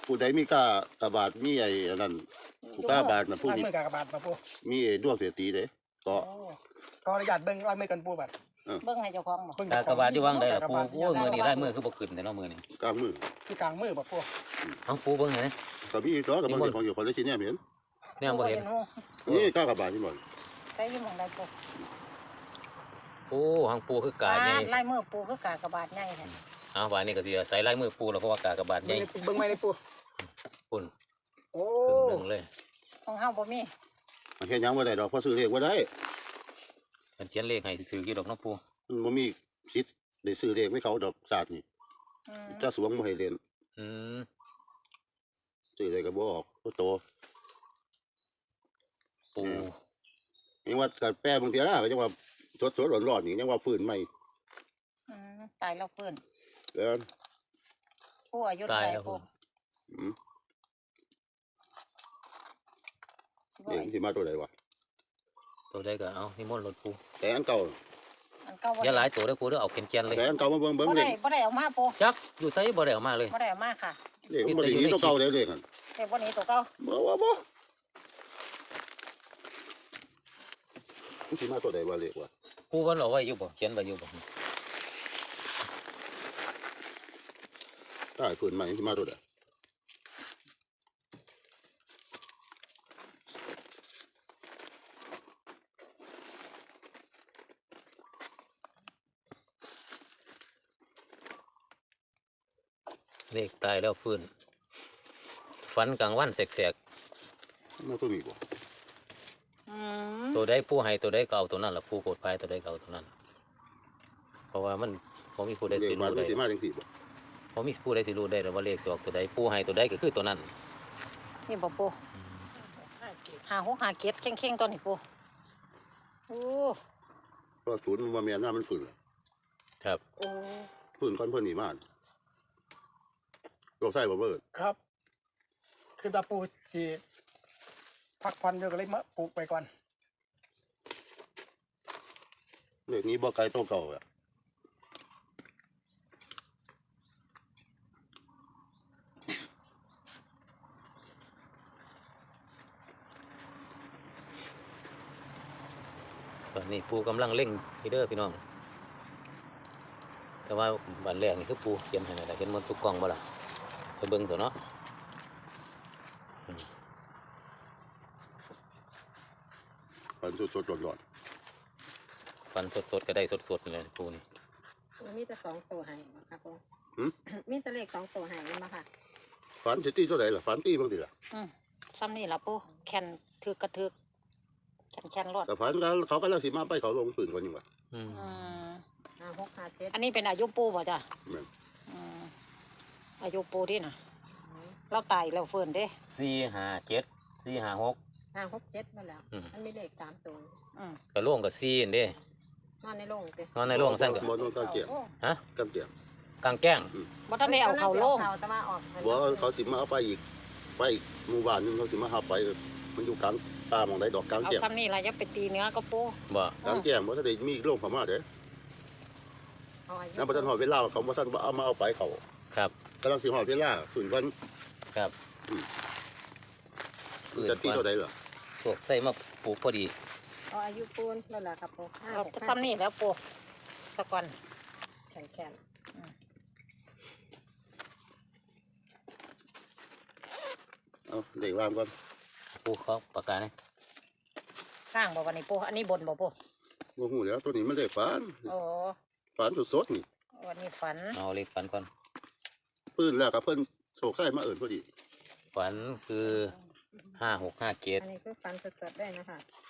ผู้ใดมีกากระบาดมีไอ้นั่นผู้กาบาดนะผู้ล้างนี้มือกากบาทมาปูมีไอ้ดวงเสียตีเด้ก็ก็อนุญาตเบิ่งล้างมือกันปูบัดเบิ่งให้เจ้าของบ่กากบาดอยู่วางได้ล่ะปูโอ้ยมือนี่ได้มือคือบ่ขึ้นแต่เนาะมือนี่กลางมือคือกลางมือบ่ปูเอาปูเบิ่งให้ก็มีตัวกับมันของอยู่คนละชิ้นเนี่ยเห็นเนี่ยบ่เห็นนี่กากระบาดที่บ่ไปอยู่หม่องใดปูโอ้หังปูคือกาใหญ่ลายมือปูคือกากบาทใหญ่แท้เอาว่านี่ก็สิใส่ลายมือปูแล้วเพราะว่ากากบาดใหญ่เบิ่งไม่ได้ปูปุ่นโอ้ครึ่งหนึงเลยของเฮาบ่มีมันแค่ยังบ่ได้ดอกเพราะซื้อเลขบ่ได้มันเขียนเลขให้ถือกี่ดอกเนาะปูมันบ่มีสิทธิ์ได้ซื้อเลขให้เขาดอกศาสตร์นี่อืมจะสวงบ่ให้เรียนอืมซื้อเลขก็บ่ออกบ่โตปูยังว่าการแปรบางทีนะก็ยังว่าสดๆร้อนๆนี่ยังว่าฟื้นใหม่ตายแล้วฟื้นเด้อปูอายุตาเท่าย ไหร่แล้วปูอืมเด็กสิมาตัวใดวะตัวใดก็เอานิมนต์รถปูแต่อันเก่าอันเก่าบ่อย่าหลายตัวเด้อปูเด้อเอาแกนๆเลยแต่อันเก่ามาเบิ่งบ่เลได้ขบ่ได้เอามาปูจักอยู่ไสบ่ได้เอามาเลยบ่ได้เอามาค่ะเลขมันบ่ได้หนีตัวเก่าเลยเลขนั่นแต่บ่หนี้ตัวเก่าบ่มันสิมาตัวใดวะเลขวะปูมันเอาไว้อยู่บ่เขียนไว้อยู่บ่ตายฟื้นใหม่สิมาตัวใดเลขตายแล้วฟื้นฝันกลางวันแสกมันตัวนี้บ่อืมๆตัวใดปูให้ตัวใดก็เอาตัวนั้นล่ะปูโกดภายตัวใดก็เอาตัวนั้น เพราะว่ามันบ่มีผู้ใดเลสิขมารู้มันได้สิมาจังซี่บ่บ่มีผู้ใดสิรู้ได้หรอกว่าเลขสิออกตัวใดปูให้ตัวใดก็คือตัวนั้นนี่บ่ปู5657เข่งๆตัวนี้ปูโอ้เพราะศูนย์มันบ่แม่นหน้ามันฟื้นแล้วครับโอ้ฟื้นก่อนเพิ่นนี่มาโรคไส้บ่เบิดครับ คือตาปูสิพักผ่อนอยู่ก็เลยมาปลูกไปก่อนเลขนี้บ่ไกลตัวเก่าอ่ะตอนนี้ปูกำลังเร่งที่เด้อพี่น้อง แต่ว่าวันแรกนี่คือปูเขียนให้แล้วเห็นมันตุกกล้องบ่ล่ะไปเบิ่งตัวเนาะฝันสดๆร้อนฟันสดๆก็ได้สดๆเลยปูนี่มีแต่2ตัวให้ครับผม มีแต่เลข2ตัวให้มาค่ะๆฝันสิตีตัวใดล่ะฝันตีบางทีล่ะซ้ำนี่ล่ะปูแคนถึกกระถึกแคนรถแต่ฝันเขาก็แล้วสิมาไปเขาลงปืนก่อนยังวะอืม 5 6 5 7 อันนี้เป็นอายุปูบ่จ้ะแม่นอืมอายุปูที่น่ะ เราตายแล้วฟื้นเด้ 457 456 5 6 7มาแล้ว มันมีเลข3ตัวอืมก็โล่งก็4นั่นเด้นอนในโรงสินอนในโรงซั่นก็บ่โดนกางเกียงฮะกางเกียงกลางแก้งบ่ทันได้เอาเข้าโลงแต่ว่าออกบ่เขาสิมาเอาไปอีกหมู่บ้านหนึงเขาสิมาหาไปมันอยู่กลางป่าหม่องใดดอกกลางเอาแก้งซ้ำนี่ล่ะอย่าไปตีเนื้อก็ปูบ่กลางแก้งบ่ทันได้มีโรงพม่าเด้เอาอายุนำบ่ทันฮอดเวลาเขาบ่ทันเอามาเอาไปเขาครับกำลังสิฮอดเวลาฝืนก่อนครับจะตีตัวใดล่ะพวกใส่มาปลูกพอดีเอาอายุปูนนั่นแหละครับผม5 เรา 6 ซ้ำนี่แล้วปูสักก่อนแข็งเอาเลขล่างก่อนปูเขาประกาศให้ข้างบ่วันนี้ปูอันนี้บนบ่ปูบ่ฮู้แล้วตัวนี้มันเลขฝันโอ้ฝันสดๆนี่วันนี้ฝันเอาเลขฝันก่อนปืนแล้วก็เพิ่นโชคไข่มาเอิ้นพอดีฝันคือๆอัน 5657 นี้คือฟันสดๆได้นะคะ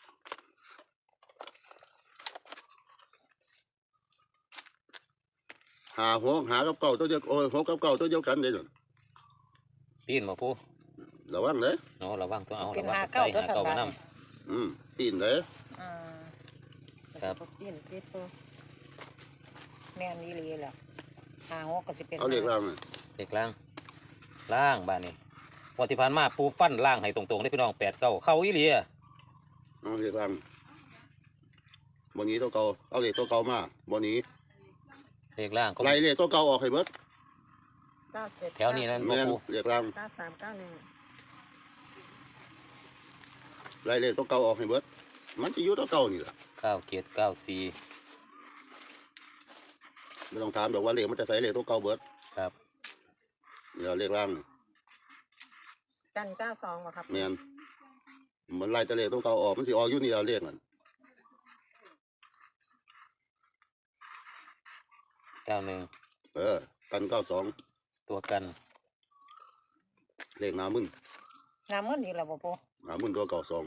หาหัวหากับเก่าตัวเดียวโอ้ยหัวกับเก่าตัวเดียวกันเด้อปีนบ่ปูระวังเด้อเนาะระวังตัวเอาเป็นระวังหาเก้าตัวสันใส่บาหาทเก้านี่มานปีนเด้ออืมครับปีนปีนปูแม่นอีหลีแหละหาหกก็สิเป็นเอาเลขล่างน่ะเลขล่างล่างบ้านนี้วันที่ผ่านมาปูฟันล่างให้ตรงๆได้พี่น้อง8 9เข้าอีหลีอะเอาเลขล่างบ่หนี้ตัวเก่าเอาเลขตัวเก่ามาบ่หนี้เลขล่างก็ไล่เลขตัวเก่าออกให้เบิด 9 97 แถวนี้นั่นบ่แม่นปูเรียกร่าง 9391 ไล่เลขตัวเก่าออกให้เบิดมันจะอยู่ตัวเก่านี่แหละ 9794 ไม่ต้องถามดอกว่าเลขมันจะใส่เลขตัวเก่าเบิดครับนี่ล่ะเลขร่างนี่กัน92บ่ครับแม่นมันไล่แต่เลขตัวเก่าออกมันสิออกอยู่นี่ล่ะเลขนั่น 91 กัน92 ตัวกันเลขหน้ามึนงามเงินอีกแล้วบ่ปูหน้ามึนตัว92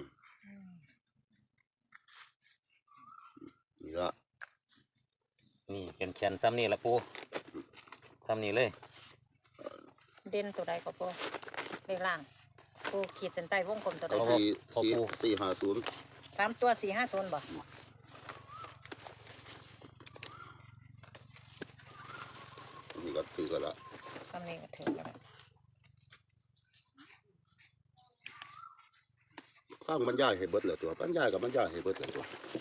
นี่ละนี่เป็นแชนซ้ำนี่ละปูซ้ำนี่เลยเด่นตัวใดก็ปูเลขล่างปูขีดเส้นใต้วงกลมตัวใดเอาพอ 4 พอปู 450 3ตัว450บ่นี่ก็ถือกันละซ้ำนี้ก็ถึงแล้วข้างบรรยายให้เบิดเลยตัวบรรยายกับบรรยายให้เบิดเลยตัว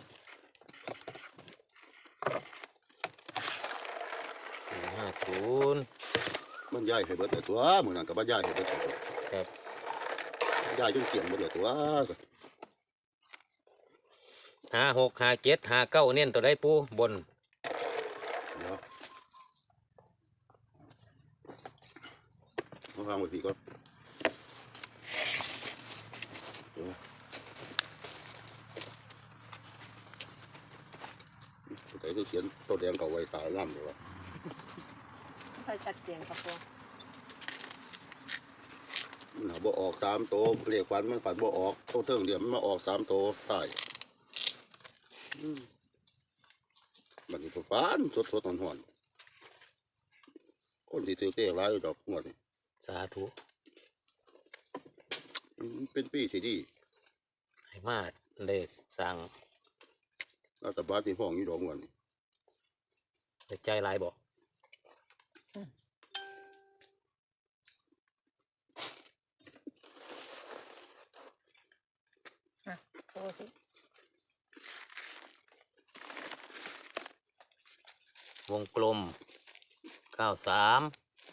450 บรรยายให้เบิดเลยตัวมื้อนั้นกับบรรยายให้เบิดเลยตัวครับบรรยายจนเกี่ยงเบิดเลยตัว 56 57 59เน้นตัวใดปูบนเดี๋ยวมาฟังไว้พี่ก่อนเดี๋ยวใส่ได้เขียนตัวแดงเก่าไว้ตายน้ำเลยวะค่อยชัดเจนครับปูมันหาบ่ออก3ตัวเลขฝันมันฝันบ่ออกตัวเทิงเดียวมันมาออก3ตัวตายบัดนี้ก็ฝันสดๆหอนๆคนที่ถือเลขหลายอยู่ดอกงวดนี่สาธุเป็นปีสิดีให้มาได้สร้างรัฐบาลที่ห้องอยู่ดอกงวดนี่ได้ใจหลายบ่ปูสิวงกลม 93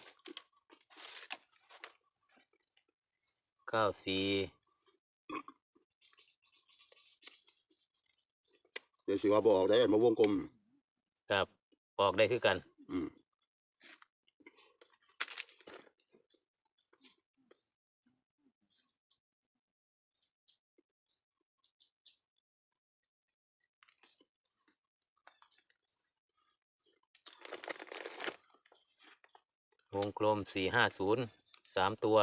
94 เดี๋ยวสิว่าบ่ออกได้มาวงกลมครับบอกได้คือกันอืมวงกลม 450 3 ตัว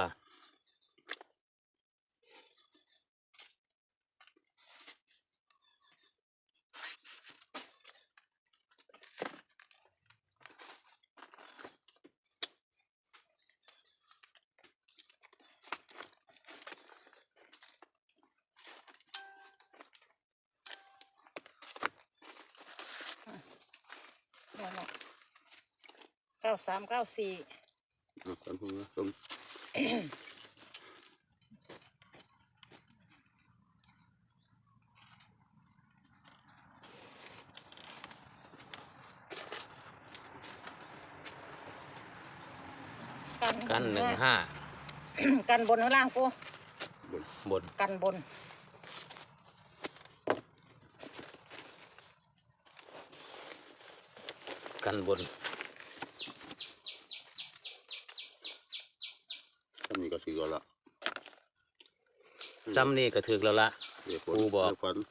9394 กันพูดนะมกัน 15 กันบนข้างล่างปูบนกันบนกันบนอันนี้ก็ถือกันละซ้ำนี่ก็ถึกแล้วละเรียกครูบอกเรียฝัน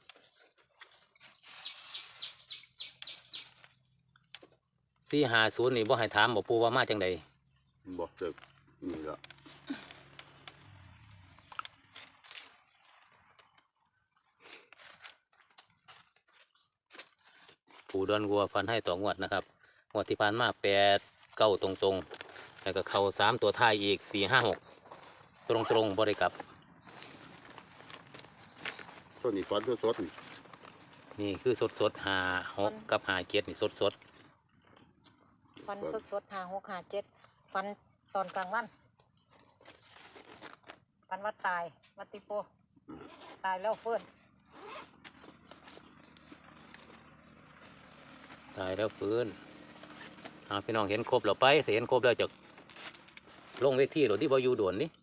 450นี่บ่ให้ถามบ่ปูว่ามาจังใดบอกเสร็จนี่ละปูดอนวัวฟันให้ต่องวดนะครับงวดที่ผ่านมา8 9ตรงๆแล้วก็เข้า3ตัวท้ายอีก4 5 6ตรงๆบ่ได้กลับต้นนี้ฝันสดๆนี่นี่คือสดๆ56กับ57นี่สดฟันสดๆ5657ฟันตอนกลางวันฟันวัดตายวัดติโปตายแล้วเฟื้นๆตายแล้วฟื้นพี่น้องเห็นครบแล้วไปสิเห็นครบแล้วจะลงเวทีหรือที่บอยู่ด่วนนี่